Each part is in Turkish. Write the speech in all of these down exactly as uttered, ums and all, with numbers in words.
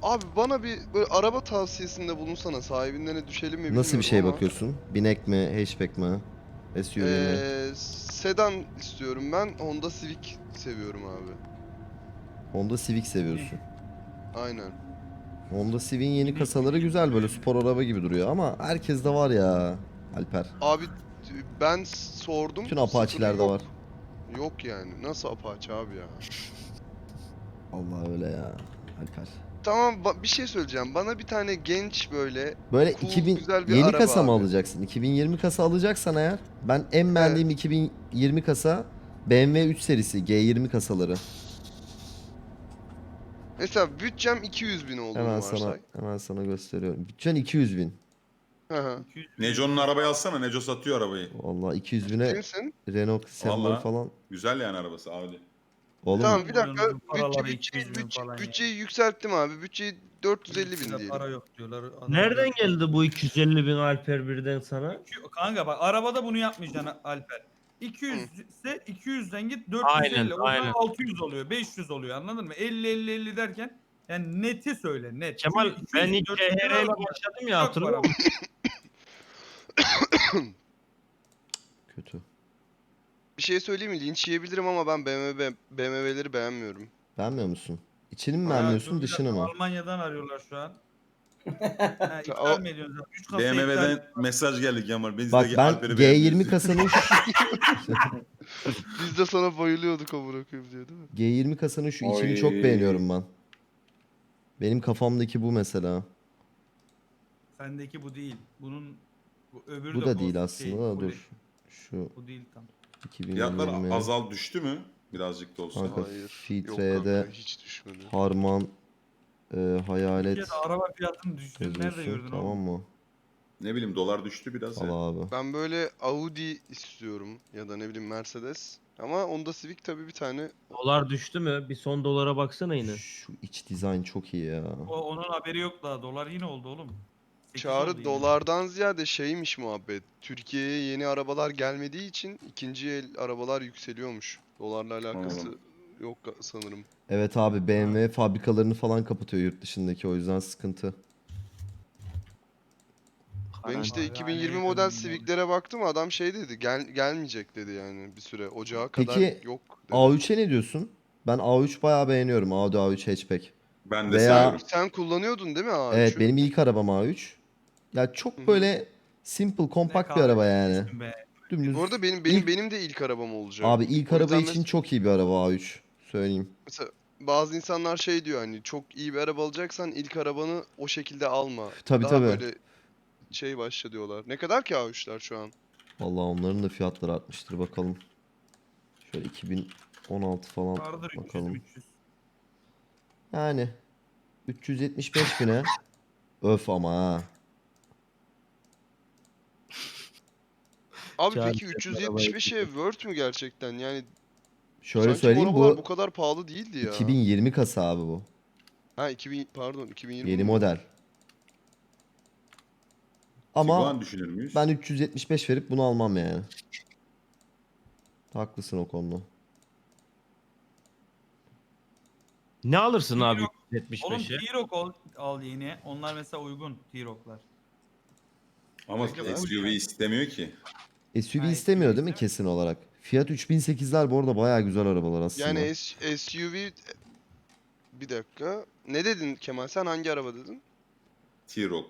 Abi bana bir böyle araba tavsiyesinde bulunsana. Sahibinden de düşelim mi Nasıl bir bilmiyorum şey ama. bakıyorsun? Binek mi, hatchback mi, S U V mi? Ee, sedan istiyorum ben. Honda Civic seviyorum abi. Honda Civic Mini. seviyorsun. Aynen. Honda Civic'in yeni Mini, kasaları mini güzel, böyle böyle. spor araba gibi duruyor ama herkes de var ya Alper. Abi t- ben sordum. Bütün Sıfırı Apache'lerde var. yok. Yok yani. Nasıl Apache abi ya? Allah öyle ya Alper. Tamam ba- bir şey söyleyeceğim. Bana bir tane genç böyle Böyle cool iki bin güzel bir yeni araba kasa mı abi. alacaksın? iki bin yirmi kasa alacaksan eğer, ben en Evet. beğendiğim iki bin yirmi kasa B M W üç serisi G yirmi kasaları. Mesela bütçem iki yüz bin Hemen olduğunu sana varsay. hemen sana gösteriyorum. Bütçen iki yüz bin. Hı hı. iki yüz Neco'nun arabayı alsana. Neco satıyor arabayı. Vallahi iki yüz Ciddi bine misin? Renault Semler Valla falan. güzel yani arabası Audi. Oğlum Tamam bir dakika. milyonun Bütçe, paraları bütçeyi, iki yüz bin bütçe, falan ya. bütçeyi yükselttim abi. Bütçeyi dört yüz elli bin Ülkede diyelim. para yok diyorlar. Adam Nereden dört yüz geldi bu iki yüz elli bin Alper birden sana? İki- Kanka bak arabada bunu yapmayacaksın Alper. iki yüz Hı. ise iki yüzden git dört yüz Aynen, elli. O zaman aynen. altı yüz oluyor. beş yüz oluyor anladın mı? elli elli elli derken yani neti söyle net. Kemal Çünkü ben iki yüz, ilk dört yüz C H R ile araba başladım ya, çok hatırlıyor para. musun? kötü. Bir şey söyleyeyim mi? Linç yiyebilirim ama ben B M W, B M W'leri beğenmiyorum. Beğenmiyor musun? İçini mi Aynen. Ya beğenmiyorsun, dur bir dışını dakika, mı? Almanya'dan arıyorlar şu an. Ha, O, ithal mi ediyorsunuz? üç kasa ithal. B M W'den mesaj geldi Kemal. Biz Bak de ben Alper'i G yirmi beğenmiyoruz. kasanın şu, biz de sana bayılıyorduk amına koyayım diye değil mi? G yirmi kasanın şu içini Oy. çok beğeniyorum ben. Benim kafamdaki bu mesela. Sendeki bu değil. Bunun bu öbürü Bu de da kos- değil şey, aslında da full- dur. Şu Bu değil tam. Fiyatlar iki bin yirmi azal düştü mü? Birazcık da olsa. kanka Hayır. Yok filtrede kanka hiç düşmedi. Harman e, hayalet Türkiye'de araba fiyatını düştüğünü nerede yazıyorsun, gördün tamam oğlum? mı? Ne bileyim dolar düştü biraz ya. Al abi. Ben böyle Audi istiyorum ya da ne bileyim Mercedes. Ama Honda Civic tabii bir tane. Dolar düştü mü? Bir son dolara baksana yine. Şu iç dizayn çok iyi ya. O, onun haberi yok daha. Dolar yine oldu oğlum. sekiz oldu Çağrı yine. dolardan ziyade şeymiş muhabbet. Türkiye'ye yeni arabalar gelmediği için ikinci el arabalar yükseliyormuş. Dolarla alakası Anladım. yok sanırım. Evet abi, B M W fabrikalarını falan kapatıyor yurt dışındaki, o yüzden sıkıntı. Ben işte Abi, iki bin yirmi hala model yakın Civic'lere baktım, adam şey dedi, gel gelmeyecek dedi yani bir süre. Ocağa kadar Peki yok dedi. A üçe ne diyorsun? Ben A üç bayağı beğeniyorum. Audi A üç hatchback. Ben de Veya- seviyorum. Sen kullanıyordun değil mi A üç'ü? Evet, benim ilk arabam A üç. Ya Hı çok hı. böyle simple, Ne kompakt bir araba yani. kahretsin be. Dümdüz. Bu arada benim benim İlk- benim de ilk arabam olacak. Abi ilk O araba yüzden için mes- çok iyi bir araba A üç. Söyleyeyim. mesela bazı insanlar şey diyor, hani çok iyi bir araba alacaksan ilk arabanı o şekilde alma. Tabii, Daha tabii. böyle şey başla diyorlar. Ne kadar ki A üç'ler şu an? Vallahi onların da fiyatları artmıştır, bakalım. Şöyle iki bin on altı falan Vardır üç yüz bakalım. üç yüz. Yani üç yüz yetmiş beş bine. Öf ama ha. Abi Çağrı peki sen üç yüz arabayı yetmiş beşe worth mü gerçekten? Yani Şöyle sanki bu söyleyeyim, arabalar bu bu kadar pahalı değildi ya. iki bin yirmi kasa abi bu. Ha iki bin pardon iki bin yirmi Yeni mi? model. Ama Tiguan düşünür müyüz? ben üç yüz yetmiş beş verip bunu almam yani. Haklısın o konuda. Ne alırsın abi T-Roc- Oğlum yetmiş beşe? T-Roc al, al yeni. Onlar mesela uygun T-Roc'lar. Ama Peki, S U V istemiyor ki. S U V Ha, istemiyor S U V değil mi kesin olarak? Fiat üç bin sekizler bu arada bayağı güzel arabalar aslında. Yani S- SUV bir dakika. Ne dedin Kemal? Sen hangi araba dedin? T-Roc.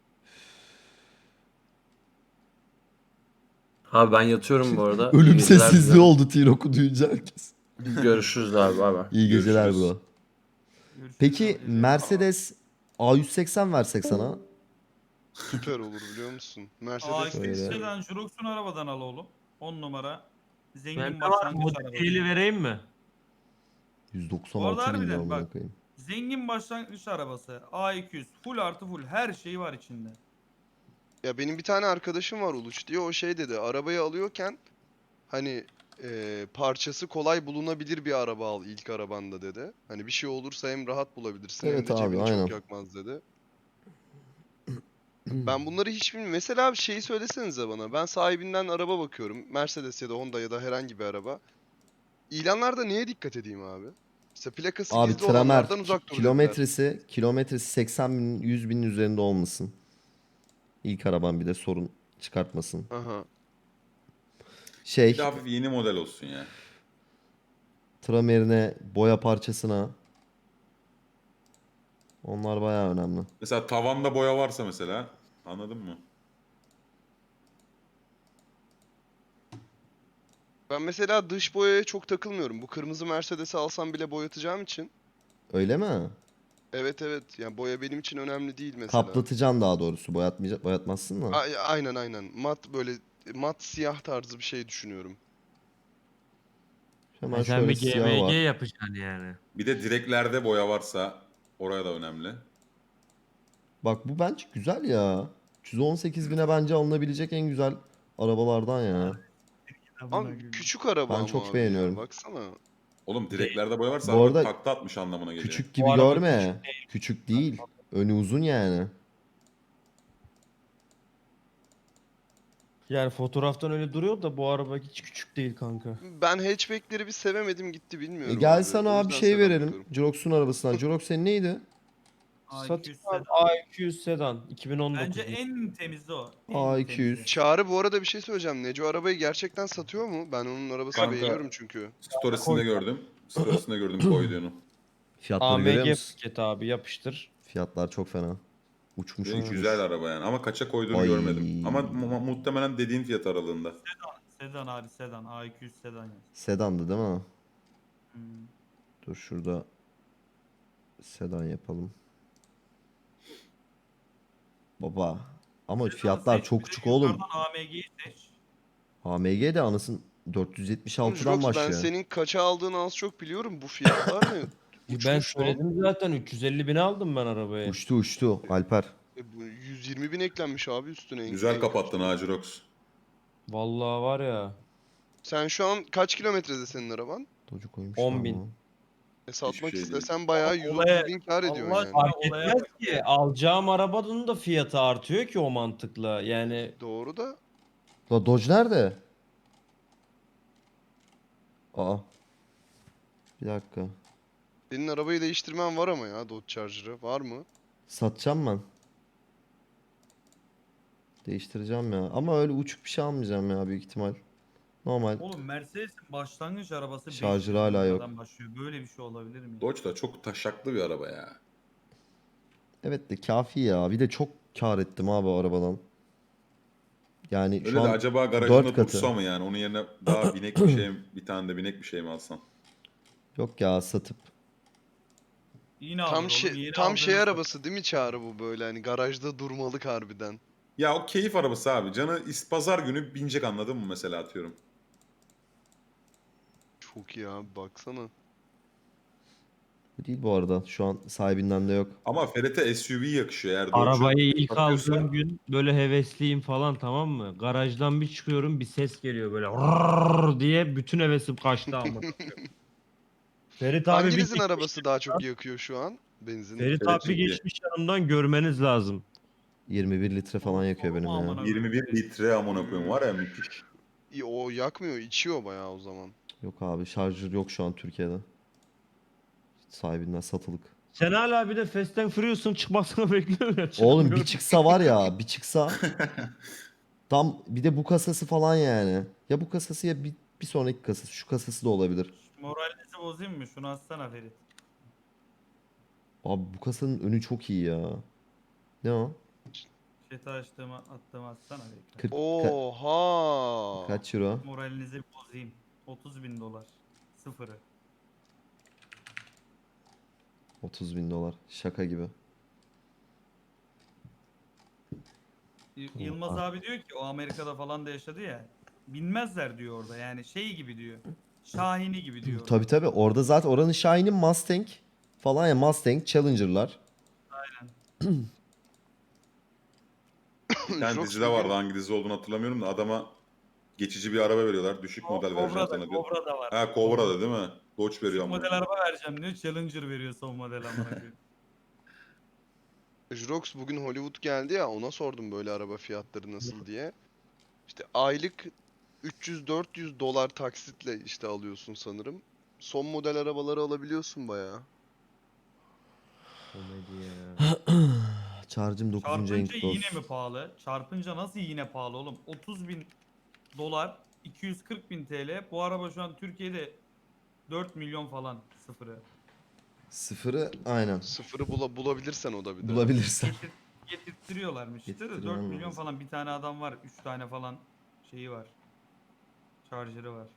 Abi ben yatıyorum bu arada. Ölüm İyi geceler sessizliği dilerim. oldu T-Roc'u duyunca herkes. Görüşürüz abi. Bay bay. İyi geceler Görüşürüz. bro. Görüşürüz Peki abi, geceler. Mercedes A yüz seksen versek sana? Süper olur biliyor musun? Mercedes Aa Şöyle. işte sedan Jurox'un arabadan al oğlum. on numara. Zengin Ben de var, başlangıç modifiyeli arabası. vereyim mi? yüz Bu arada doksan altı bin lira harbiden amına bak. koyayım. Zengin başlangıç arabası. A iki yüz. Full artı full. Her şeyi var içinde. Ya benim bir tane arkadaşım var Uluç diye, o şey dedi, arabayı alıyorken hani e, parçası kolay bulunabilir bir araba al ilk arabanda dedi. Hani bir şey olursa hem rahat bulabilirsin hem Evet de abi, cebini aynen. çok yakmaz dedi. Ben bunları hiç bilmiyorum. Mesela abi şeyi söylesenize bana. Ben sahibinden araba bakıyorum. Mercedes ya da Honda ya da herhangi bir araba. İlanlarda neye dikkat edeyim abi? İşte plakası Abi gizli Tramer olanlardan uzak dur dediler. kilometresi kilometresi seksen bin yüz binin üzerinde olmasın. İlk araban bir de sorun çıkartmasın. Aha. Şey Bir de hafif yeni model olsun ya. Tramer'ine, boya parçasına. Onlar bayağı önemli. Mesela tavanda boya varsa mesela, anladın mı? Ben mesela dış boyaya çok takılmıyorum. Bu kırmızı Mercedes'i alsam bile boyatacağım için. Öyle mi? Evet evet. Yani boya benim için önemli değil mesela. Kaplatacaksın daha doğrusu. Boyatmayacak, boyatmazsın da. A- aynen aynen. Mat böyle mat siyah tarzı bir şey düşünüyorum. Hemen Ha, sen şöyle bir siyah var. G M G yapacaksın yani. Bir de direklerde boya varsa oraya da önemli. Bak bu bence güzel ya. üç yüz on sekiz bine bence alınabilecek en güzel arabalardan ya. Ama küçük araba Ben ama çok abi beğeniyorum. ya. Baksana. Oğlum direklerde boya varsa Bu araba arada takla atmış anlamına geliyor. küçük Bu gibi araba görme. Küçük değil. Önü uzun yani. Yani fotoğraftan öyle duruyor da bu araba hiç küçük değil kanka. Ben hatchback'leri bir sevemedim gitti E bilmiyorum gel abi. sana O abi yüzden şey sedan verelim. bakıyorum. Jirox'un arabasından. Jirox senin neydi? A iki Satayım yüz abi sedan. A iki yüz sedan iki bin on dokuz. Bence en temizi o. En A iki yüz. temizi. Çağrı bu arada bir şey söyleyeceğim. Neco arabayı gerçekten satıyor mu? Ben onun arabasını Kanka- beğeniyorum çünkü. Storiesinde gördüm. Storiesinde gördüm koyduğunu. Fiyatları görüyor A M G musun? paket abi yapıştır. Fiyatlar çok fena. Uçmuş Ve uçmuş. güzel araba yani. Ama kaça koyduğunu Ay. görmedim. Ama mu- muhtemelen dediğin fiyat aralığında. Sedan abi sedan. A iki yüz sedan yaz. Sedandı değil mi? Hmm. Dur şurada sedan yapalım. Baba. Ama Sedan fiyatlar seç, çok bir de uçuk oğlum. yukarıdan A M G'yi seç. A M G de anasın dört yüz yetmiş altıdan Jirox ben başlıyor. senin kaça aldığını az çok biliyorum. Bu fiyatlar ne? Ben Uçmuş lan. söyledim zaten üç yüz elli bine aldım ben arabayı. Uçtu uçtu Alper. E bu yüz yirmi bin eklenmiş abi üstüne. en- Güzel en kapattın kötüsü. ha Jirox. Vallahi var ya Sen şu an kaç kilometrede senin araban? Docu koymuş on lan bin. bu. E satmak şey değil. istesen bayağı yüz Olaya- otuz bin kar ediyorsun Allah yani. aşkına Fark olaya etmez bak ki ya. alacağım arabanın da fiyatı artıyor ki o mantıkla. Yani Doğru da La Dodge nerede? Aa. Bir dakika. senin arabayı değiştirmen var ama ya Dodge Charger'ı. Var mı? Satacağım ben. Değiştireceğim ya. Ama öyle uçuk bir şey almayacağım ya büyük ihtimal. Normal. Oğlum Mercedes'in başlangıç arabası Şarjı beş yüz hala bin yok. liradan başlıyor. Böyle bir şey olabilir mi? Dodge da çok taşaklı bir araba ya. Evet de kafi ya. Bir de çok kar ettim abi o arabadan. Yani Öyle şu de an acaba dört garajında katı. dursa mı yani? Onun yerine daha binek bir şey, bir tane de binek bir şey mi alsan? Yok ya satıp. Yine alır Tam oğlum. şey Yeni tam şey aldığını arabası değil mi Çağrı bu böyle hani garajda durmalık harbiden. Ya o keyif arabası abi. Canı is- pazar günü binecek anladın mı mesela atıyorum. Çok iyi abi baksana. Bu değil bu arada. Şu an sahibinden de yok. Ama Ferhat'e S U V yakışıyor. Eğer Dodge'u arabayı ilk satıyorsa- aldığım gün böyle hevesliyim falan tamam mı? Garajdan bir çıkıyorum bir ses geliyor böyle "Rrrr" diye bütün hevesim kaçtı ama. Ferit abi bir Hanginizin arabası daha çok yakıyor şu an? Benzin. Ferit Evet, abi çünkü- geçmiş yanımdan görmeniz lazım. yirmi bir litre falan yakıyor benim Aman ya. aman. yirmi bir litre amına koyayım var ya müthiş. İyi, o yakmıyor, içiyor bayağı o zaman. Yok abi şarjör yok şu an Türkiye'de. Sahibinden satılık. Sen hala bir de Fast and Furious'un çıkmasını bekliyorsun ya. Oğlum çıkmıyor. bir çıksa var ya bir çıksa. Tam bir de bu kasası falan yani. Ya bu kasası ya bir, bir sonraki kasası. Şu kasası da olabilir. Moralinizi bozayım mı? Şunu atsana Ferit. Abi bu kasanın önü çok iyi ya. Ne o? Chat'e açtığımı attığımı atsana Ferit. kırk, ka- Oha! kaç euro? Moralinizi bozayım. otuz bin dolar. Sıfırı. otuz bin dolar. Şaka gibi. Y- Yılmaz abi diyor ki o Amerika'da falan da yaşadı ya. Binmezler diyor orada yani şey gibi diyor. Şahini gibi diyor. Tabi tabi orada zaten oranın Shine'in Mustang falan ya Mustang Challenger'lar. Bir tane Çok dizide bugün- vardı hangi dizi olduğunu hatırlamıyorum da adama geçici bir araba veriyorlar. Düşük Ko- model vereceğim Cobra'da, sana diyor. Cobra'da var. Ha Cobra'da değil mi? Dodge veriyor Şu ama. model araba vereceğim diyor. Challenger veriyor son model amına koyayım. Jrox bugün Hollywood geldi ya ona sordum böyle araba fiyatları nasıl diye. İşte aylık üç yüz dört yüz dolar taksitle işte alıyorsun sanırım. son model arabaları alabiliyorsun bayağı. Komedi ya. Charge'ım dokuzuncu Çarpınca renk yine dost. mi pahalı? Çarpınca nasıl yine pahalı oğlum? otuz bin dolar, iki yüz kırk bin T L. Bu araba şu an Türkiye'de dört milyon falan sıfırı. Sıfırı aynen. Sıfırı bula bulabilirsen o da bir de. Bulabilirsen. Getir, getirtiyorlarmış işte de dört Getirttirmen milyon lazım. falan bir tane adam var. üç tane falan şeyi var. Charger'ı var.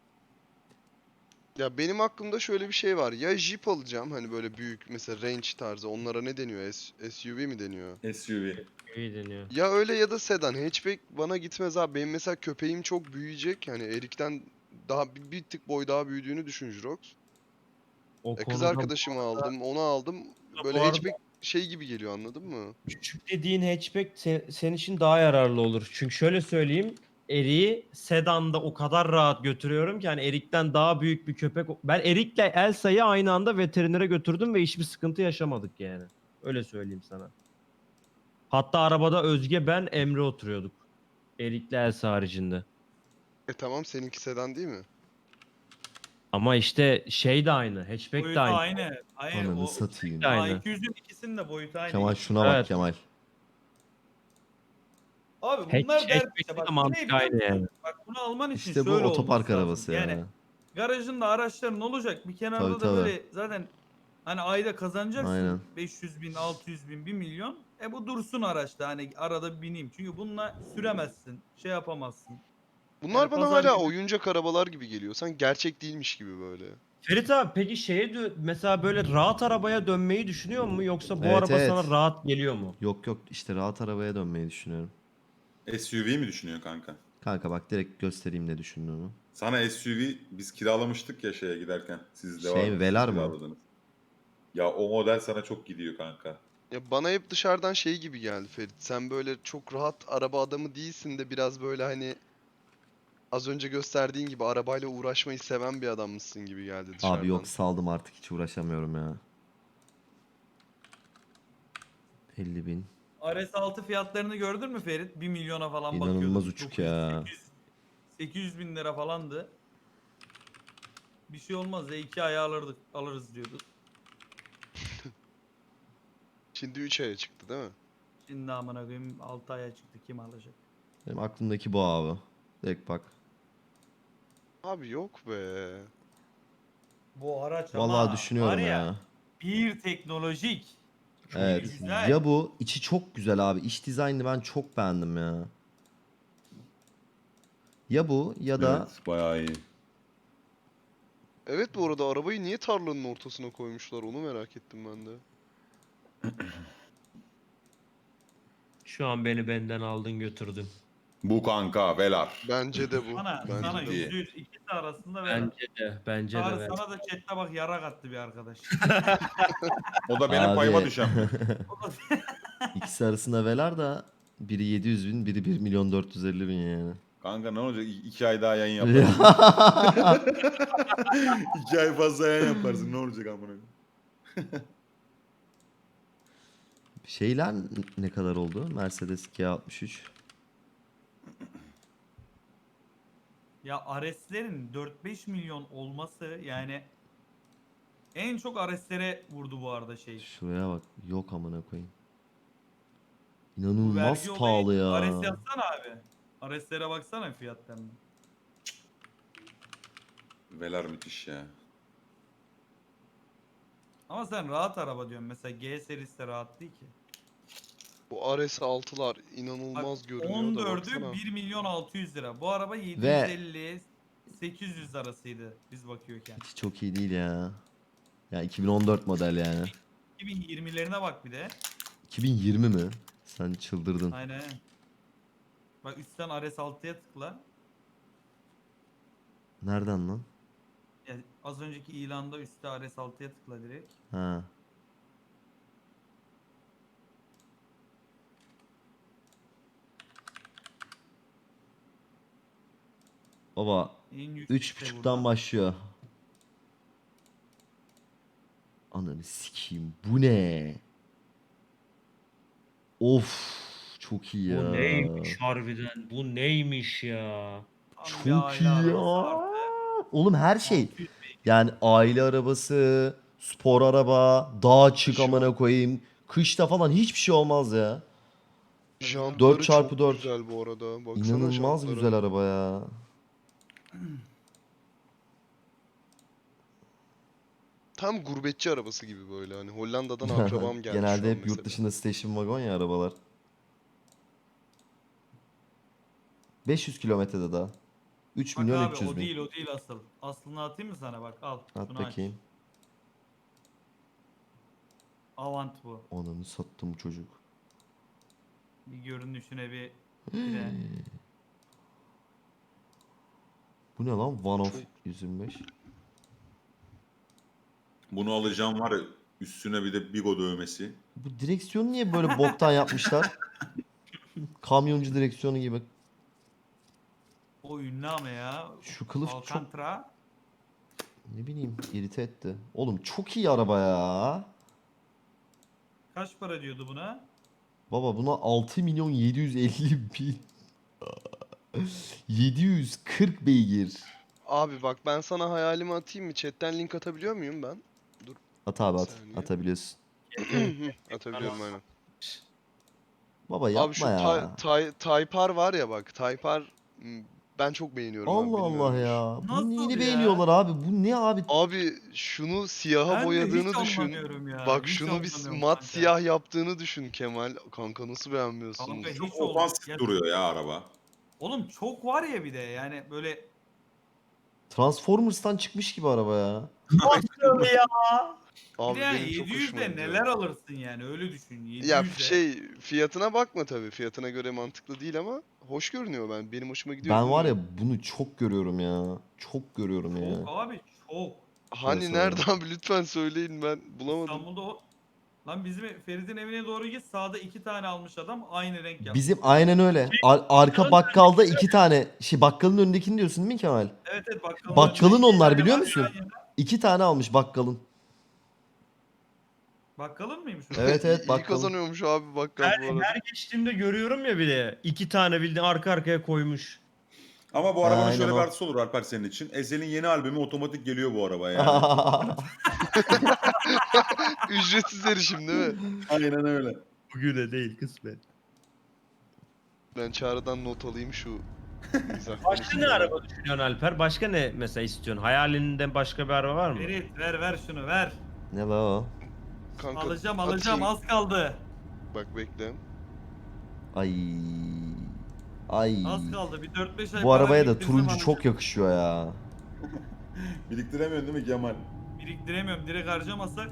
Ya benim aklımda şöyle bir şey var. Ya Jeep alacağım hani böyle büyük mesela Range tarzı. Onlara ne deniyor? S- SUV mi deniyor? S U V. İyi deniyor. Ya öyle ya da sedan. Hatchback bana gitmez abi. Benim mesela köpeğim çok büyüyecek. Yani Erik'ten daha bir, bir tık boy daha büyüdüğünü düşün Jirox. O E kız konuda arkadaşımı aldım, onu aldım. Böyle Bu arada- hatchback şey gibi geliyor anladın mı? küçük dediğin hatchback se- senin için daha yararlı olur. Çünkü şöyle söyleyeyim. Erik'i sedanda o kadar rahat götürüyorum ki hani Erik'ten daha büyük bir köpek. Ben Erik'le Elsa'yı aynı anda veterinere götürdüm ve hiçbir sıkıntı yaşamadık yani. Öyle söyleyeyim sana. Hatta arabada Özge, ben, Emre oturuyorduk. Erik'le Elsa haricinde. E tamam seninki sedan değil mi? Ama işte şey de aynı. Hatchback de Boyutu aynı. aynı. Hayır Ananı o satayım. de aynı. A iki yüzün ikisinin de boyutu aynı. Kemal şuna bak Evet. Kemal. Abi Hatch- bunlar dert işte. hatchback'te Bak de bu ne mantık biliyor aynı musun? yani. Bak bunu alman için İşte bu şöyle otopark olması lazım. arabası ya. Yani garajında araçların olacak. Bir kenarda Tabii, da tabii. böyle zaten hani ayda kazanacaksın. Aynen. beş yüz bin, altı yüz bin, bir milyon. E bu dursun araçta hani arada bir bineyim. Çünkü bununla süremezsin. Şey yapamazsın. Bunlar Yani bana pazar hala günü- oyuncak arabalar gibi geliyor. Sanki gerçek değilmiş gibi böyle. Ferit abi peki şeye dö- mesela böyle rahat arabaya dönmeyi düşünüyor mu yoksa bu Evet, araba evet. sana rahat geliyor mu? Yok yok işte rahat arabaya dönmeyi düşünüyorum. S U V mi düşünüyorsun kanka? Kanka bak direkt göstereyim ne düşündüğümü. Sana S U V biz kiralamıştık ya şeye giderken. Siz de Şey, var Velar mı? kiraladınız. Ya o model sana çok gidiyor kanka. Ya bana hep dışarıdan şey gibi geldi Ferit. Sen böyle çok rahat araba adamı değilsin de biraz böyle hani az önce gösterdiğin gibi arabayla uğraşmayı seven bir adammışsın gibi geldi dışarıdan. Abi yok saldım artık hiç uğraşamıyorum ya. elli bin. R S altı fiyatlarını gördün mü Ferit? bir milyona falan İnanılmaz bakıyordum. uçuk dokuz yüz, ya. sekiz yüz, sekiz yüz bin lira falandı. Bir şey olmaz ya iki ay alırdık, alırız diyorduk. Şimdi üç aya çıktı değil mi? Şimdi amına koyayım altı aya çıktı kim alacak? Benim aklımdaki bu abi. Direkt bak. Abi yok be. Bu araç Vallahi ama düşünüyorum var ya, ya. bir teknolojik. Çok Evet. güzel. Ya bu içi çok güzel abi. İç dizaynını ben çok beğendim ya. Ya bu ya da Evet bayağı iyi. Evet bu arada arabayı niye tarlanın ortasına koymuşlar onu merak ettim ben de. Şu an beni benden aldın götürdün. Bu kanka Velar. Bence de bu. Sana, Bence sana de bu. iyi. yüzde yüz ikisi arasında ver. Bence de bence de Çağrı ver. sana da chatte bak yara kattı bir arkadaş. O da benim Abi. payıma düşen mi? ikisi arasında velar da biri yedi yüz bin, biri bir milyon dört yüz elli bin yani. Kanka ne olacak? İ- iki ay daha yayın yaparsın. iki ay fazla yayın yaparsın. Ne olacak amına koyayım? Şeyler ne kadar oldu? Mercedes G altmış üç. Ya R S'lerin dört beş milyon olması yani en çok R S'lere vurdu bu arada şey. Şuraya bak. Yok amına koyayım. Bu İnanılmaz vergi pahalı olayı ya. R S yazsana abi. R S'lere baksana fiyatlarına. Velar müthiş ya. Ama sen rahat araba diyorsun. Mesela G serisi de rahat değil ki. Bu R S altılar Bak inanılmaz görünüyor da on dördü baksana. bir milyon altı yüz lira. Bu araba yedi yüz elli sekiz yüz arasıydı biz bakıyorken. Hiç çok iyi değil ya. Ya iki bin on dört model yani. iki bin yirmilerine bak bir de. iki bin yirmi mi? Sen çıldırdın. Aynen. Bak üstten R S altıya tıkla. Nereden lan? Yani az önceki ilanda üstte R S altıya tıkla direkt. Ha. Baba En yüksek üç de buçuktan burada. başlıyor. Ananı sikeyim. Bu ne? Of. Çok iyi ya. Bu neymiş harbiden? Bu neymiş ya? Tam bir Çok aile iyi ya. arabası artı Oğlum her şey. altı yüz beygir. Yani aile arabası, spor araba, dağa çık Kışın- amına koyayım. Kışta falan hiçbir şey olmaz ya. Jantları çarpı çok dört. güzel bu arada. Baksana İnanılmaz jantlara. güzel araba ya. Tam gurbetçi arabası gibi böyle hani Hollanda'dan akrabam gelmiş şu Genelde an hep yurt mesela. dışında station wagon ya arabalar. beş yüz kilometrede daha. üç Bak milyon abi üç yüz o bin. değil o değil asıl. Aslını atayım mı sana bak al. At Şunu aç. bakayım. Avant bu. Ananı sattım çocuk. Bir görünüşüne bir bir de. Bu ne lan? One of Çok- yüz yirmi beş. Bunu alacağım var ya, üstüne bir de Bigo dövmesi. Bu direksiyonu niye böyle boktan yapmışlar? Kamyoncu direksiyonu gibi. O ünlü ama ya. Şu kılıf çok Alcantara. ne bileyim irite etti. Oğlum çok iyi araba ya. Kaç para diyordu buna? Baba buna altı milyon yedi yüz elli bin. yedi yüz kırk beygir. Abi bak ben sana hayalimi atayım mı? Chatten link atabiliyor muyum ben? At abi Bir at. saniye. Atabiliyorsun. Atabiliyorum aynen. Baba yapma Abi şu ya. Tay- Tay- Taypar var ya bak. Taypar m, ben çok beğeniyorum abi. Allah Allah bilmiyorum hiç. ya. Nasıl Bu neyini ya? beğeniyorlar abi? Bu ne abi? Abi şunu siyaha Ben de boyadığını hiç düşün. anlamıyorum ya. Bak hiç şunu bir anlamıyorum mat kanka. siyah yaptığını düşün Kemal. Kanka nasıl beğenmiyorsunuz? Kanka hiç Çok olmaz. ofansif Ya- duruyor ya araba. Oğlum çok var ya bir de yani böyle Transformers'tan çıkmış gibi araba ya. Nasıl ya? Abi bir de yani benim çok yedi yüzde hoşuma gidiyor. neler alırsın yani öyle düşün. yedi yüzde. Ya şey fiyatına bakma tabii. Fiyatına göre mantıklı değil ama hoş görünüyor ben. Benim hoşuma gidiyor. Ben var bilmiyorum. ya bunu çok görüyorum ya. Çok görüyorum ya. Çok abi çok. Hani Şöyle nerede soralım. abi lütfen söyleyin ben bulamadım. İstanbul'da o. Lan bizim Ferit'in evine doğru git sağda iki tane almış adam aynı renk yapmış. Bizim aynen öyle. Ar- arka bakkalda iki tane. Şey bakkalın önündekini diyorsun değil mi Kemal? Evet evet bakkalın. Bakkalın önünde iki onlar tane biliyor var musun? yan yana. İki tane almış bakkalın. Bakkalın mıymış o? Evet evet İyi bakkalın. kazanıyormuş abi bakkal Her, bu arada. her geçtiğimde görüyorum ya bile. İki tane bildiğin arka arkaya koymuş. Ama bu arabanın Aynen şöyle o. bir artısı olur Alper senin için. Ezel'in yeni albümü otomatik geliyor bu arabaya yani. Ücretsiz erişim değil mi? Aynen öyle. Bugüne değil kısmet. Ben Çağrı'dan not alayım şu mizah Başka ne konusunda. araba düşünüyorsun Alper? Başka ne mesela istiyorsun? Hayalinden başka bir araba var mı? Ferit ver ver şunu ver. Ne la o? Kanka, Alacağım alacağım atayım. az kaldı. Bak bekle. Ay. Ay. Az kaldı bir dört beş ay Bu para arabaya da biriktirsem turuncu alacağım. çok yakışıyor ya. Biriktiremiyorsun değil mi Kemal? Biriktiremiyorum direkt harcamasak.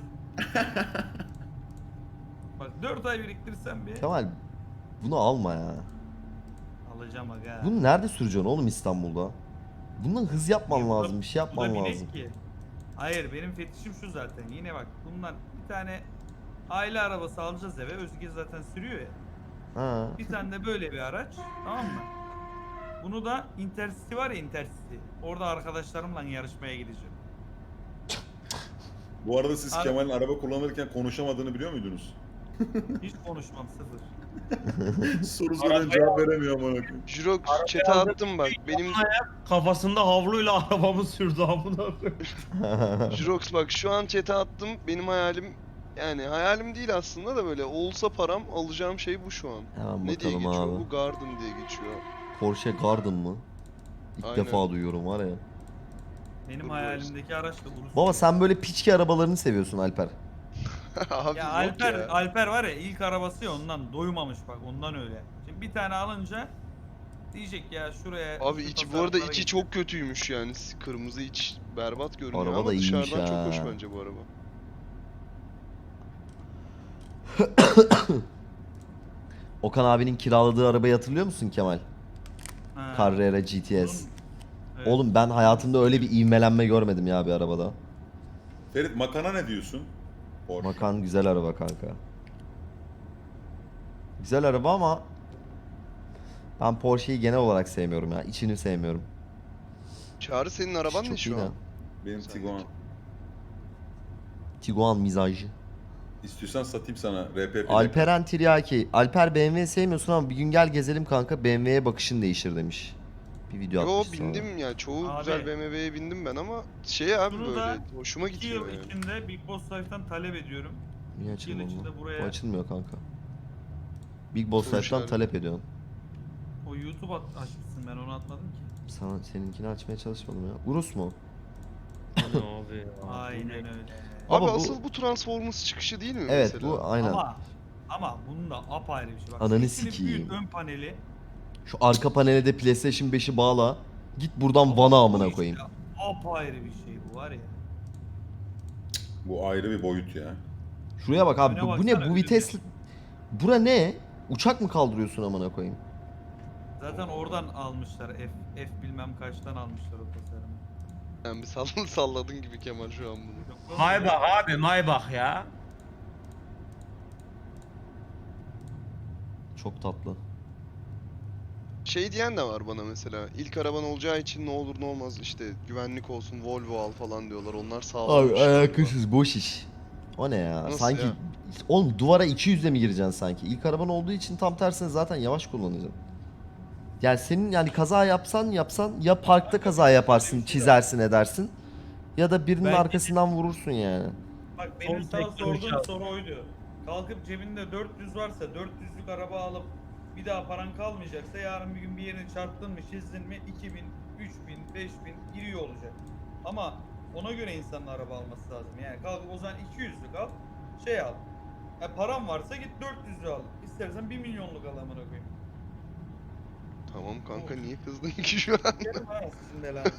Bak dört ay biriktirsem bir. Kemal bunu alma ya. Alacağım aga. Bunu nerede süreceksin oğlum İstanbul'da? Bundan hız yapman Niye? Bu da- lazım, bir şey Bu da yapman binek lazım. ki. Hayır benim fetişim şu zaten. Yine bak bundan bir tane aile arabası alacağız eve. Özge zaten sürüyor ya. Ha. Bir tane de böyle bir araç. Tamam mı? Bunu da Intercity var ya Intercity. Orada arkadaşlarımla yarışmaya gideceğim. Bu arada siz Abi- Kemal'in araba kullanırken konuşamadığını biliyor muydunuz? Hiç konuşmam sıfır. Soru soruyorum cevap veremiyor amına koyayım. Jirox chat'e attım bak. Benim Kafasında havluyla arabamı sürdü amına koyayım. Jirox bak şu an chat'e attım. Benim hayalim yani hayalim değil aslında da böyle olsa param alacağım şey bu şu an. Hemen Ne diye bakalım geçiyor abi. bu? Garden diye geçiyor. Porsche Garden mı? İlk Aynen. defa duyuyorum var ya. Benim Dur, hayalimdeki araç da Urus. Baba sen böyle piçki arabalarını seviyorsun Alper. Abi Ya yok Alper, ya. Alper var ya ilk arabası ya ondan doymamış bak ondan öyle. Şimdi bir tane alınca diyecek ya şuraya. Abi şu içi bu tasarruflara arada içi gideceğim. çok kötüymüş yani. Kırmızı iç berbat görünüyor Araba ama da iyiymiş dışarıdan çok hoş ha. bence bu araba. Okan abinin kiraladığı arabayı hatırlıyor musun Kemal? Ha. Carrera G T S. Bunun- Evet. Oğlum ben hayatımda öyle bir ivmelenme görmedim ya bir arabada. Ferit Makan'a ne diyorsun? Porsche. Makan güzel araba kanka. Güzel araba ama ben Porsche'yi genel olarak sevmiyorum ya. İçini sevmiyorum. Çağrı senin araban Çok ne şu iyi de. an? Benim Sen Tiguan. de- Tiguan mizacı. İstiyorsan satayım sana R P P'de. Alperen Tiryaki. Alper B M W sevmiyorsun ama bir gün gel gezelim kanka. B M W'ye bakışın değişir demiş. Bir video Yo atmış sonra. bindim ya. Çoğu Abi. güzel B M W'ye bindim ben ama şey abi Şunu böyle da hoşuma iki gitmiyor yıl yani. içinde Big Boss Life'tan talep ediyorum. Niye İki yıl açılmıyor içinde bu? buraya- Bu açılmıyor kanka. Big Boss Soru Life'dan işareti. talep ediyorsun. O YouTube at- açmışsın, ben onu atmadım ki. Sana seninkini açmaya çalışmadım ya. Urus mu? Bu ne abi ya? Aynen öyle. Abi Ama bu- asıl bu Transformers çıkışı değil mi Evet mesela? bu aynen. Ama ama bunun da apayrı bir şey. Bak, Ananı sesini sikeyim. büyüt ön paneli. Şu arka panele de PlayStation beşi bağla. Git buradan Ama Van'a bu amına işte koyayım. Apayrı bir şey bu var ya. Bu ayrı bir boyut ya. Şuraya bak abi Öne bu, bu baksana, ne bu önüne. vites. Bura ne? Uçak mı kaldırıyorsun amına koyayım? Zaten oradan almışlar. F, F bilmem kaçtan almışlar o tasarımı. Yani bir sall- salladın gibi Kemal şu an bunu. Yok oğlum, Maybach abi Maybach ya. Çok tatlı. Şey diyen de var bana mesela. İlk araban olacağı için ne olur ne olmaz işte güvenlik olsun Volvo al falan diyorlar. Onlar sağlam Abi bir şey galiba. alakasız boş iş. O ne ya? Nasıl sanki ya? oğlum duvara iki yüzle mi gireceksin sanki? İlk araban olduğu için tam tersine zaten yavaş kullanacaksın. Yani senin yani kaza yapsan yapsan ya parkta kaza yaparsın, çizersin edersin ya da birinin Belki de- arkasından vurursun yani. Bak benim Son sana teknoloji sorduğum al. soru oydu. Kalkıp cebinde dört yüz varsa dört yüzlük araba alıp bir daha paran kalmayacaksa yarın bir gün bir yerine çarptın mı çizdin mi iki bin, üç bin, beş bin giriyor olacak. Ama ona göre insanın araba alması lazım. Yani kalkıp o zaman iki yüzlük al, şey al. Yani paran varsa git dört yüzlü al. İstersen bir milyonluk al amına koyayım. Tamam kanka niye kızdın ki şu an? Yerim ha sizin belanızı.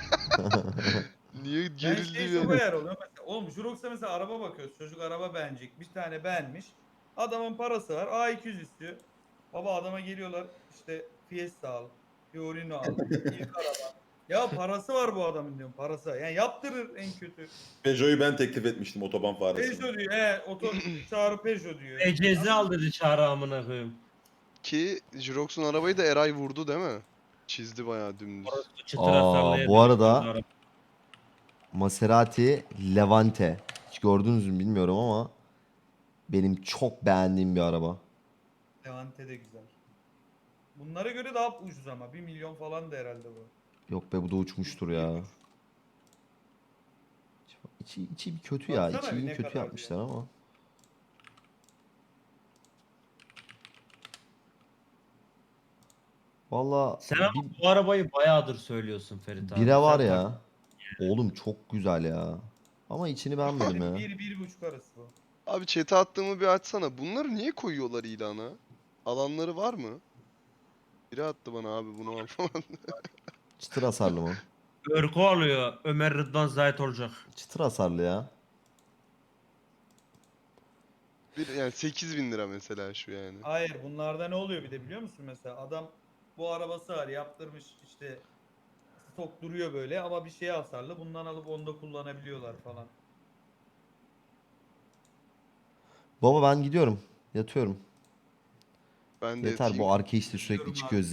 Niye Ben gerildi şey ya? çok ayar oluyor. Mesela, oğlum Jurox'a mesela araba bakıyoruz. Çocuk araba beğenecek. Bir tane beğenmiş. Adamın parası var. A iki yüz istiyor. Baba adama geliyorlar. İşte Fiesta al. Fiorino al. İlk araba. Ya parası var bu adamın diyorum. Parası. Yani yaptırır en kötü. Peugeot'u ben teklif etmiştim otoban faresine. Peugeot diyor. He, oto çağrı Peugeot diyor. Ecezi al dedi çağrı amına koyayım. Ki Jirox'un arabayı da Eray vurdu değil mi? Çizdi bayağı dümdüz. Orası çıtır Aa, hasarlıya bu arada- dönüştürdü araba. Maserati Levante. Hiç gördünüz mü bilmiyorum ama benim çok beğendiğim bir araba. Levante de güzel. Bunlara göre daha ucuz ama. Bir milyon falan da herhalde bu. Yok be bu da uçmuştur ya. İçi, içi bir kötü ya. Baksana İçi ne kötü kadar yapmışlar ama. Valla Sen ama bir, bu arabayı bayağıdır söylüyorsun Ferit abi. bire var Sen ya. Oğlum çok güzel ya. Ama içini beğenmedim ya. Bir, bir buçuk arası bu. Abi chat'e attığımı bir açsana. Bunları niye koyuyorlar ilana? Alanları var mı? Biri attı bana abi bunu al falan. Çıtır hasarlı mı? Örgü alıyor. Ömer Rıdvan Zahit olacak. Çıtır hasarlı ya. Bir, yani sekiz bin lira mesela şu yani. Hayır, bunlarda ne oluyor bir de biliyor musun mesela adam bu arabası var yaptırmış işte stok duruyor böyle ama bir şeye hasarlı bundan alıp onda kullanabiliyorlar falan. Baba ben gidiyorum. Yatıyorum. Ben de Yeter yatayım. bu arke işte Gidiyorum sürekli abi. çıkıyor.